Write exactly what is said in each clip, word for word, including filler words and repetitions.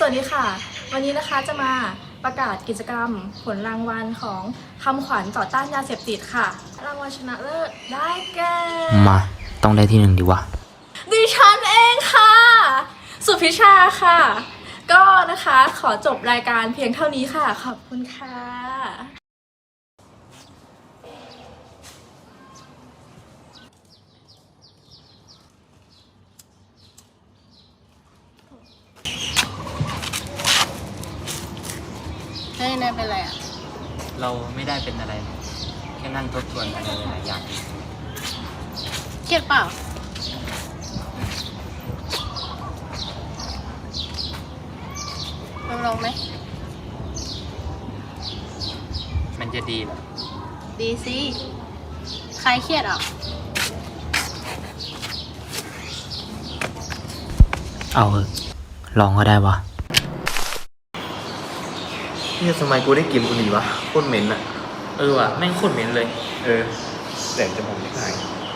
วัสดีค่ะวันนี้นะคะจะมาประกาศกิจกรรมผลรางวัลของคำขวัญต่อต้านยาเสพติดค่ะรางวัลชนะเลิศได้แก่มาต้องได้ที่หนึ่งดีวะดิฉันเองค่ะสุพิชาค่ะก็นะคะขอจบรายการเพียงเท่านี้ค่ะขอบคุณค่ะเฮ้ยนายเป็นไรอ่ะเราไม่ได้เป็นอะไรแค่นั่งทบทวนอะไรหลายอย่างเครียดเปล่าลองลองไหมมันจะดีเหรอดีสิใครเครียดอ่ะเอาเถอะลองก็ได้วะนี่ทำไมกูได้กลิ่นบุหรี่วะโคตรเหม็นอะเออว่ะแม่งโคตรเหม็นเลยเออแต่จมูกไม่หาย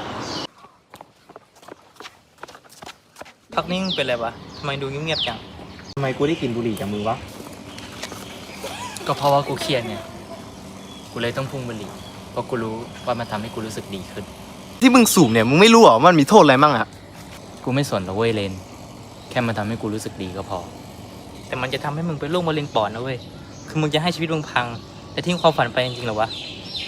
พักนี้มึงเป็นอะไรวะทำไมดูเงียบๆจังทำไมกูได้กลิ่นบุหรี่จากมือวะก็เพราะว่ากูเครียดเนี่ยกูเลยต้องพุ่งบุหรี่เพราะกูรู้ว่ามันทำให้กูรู้สึกดีขึ้นที่มึงสูบเนี่ยมึงไม่รู้หรอว่ามันมีโทษอะไรมั่งอะกูไม่สนหรอกเว้ยเลนแค่มันทำให้กูรู้สึกดีก็พอแต่มันจะทำให้มึงเป็นโรคมะเร็งปอดนะเว้ยคือมึงจะให้ชีวิตมึงพังแต่ทิ้งความฝันไปจริงๆเหรอวะ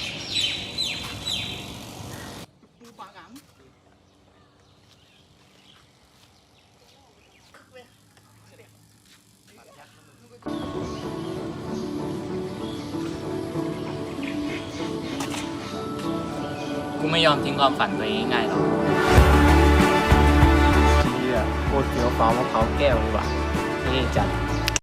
กูไม่ยอมทิ้งความฝันตัวเองง่ายๆหรอกเชี่ยโคตรเฟี้ยวฟ้าวมะพร้าวแก้วเลยว่ะนี่จัด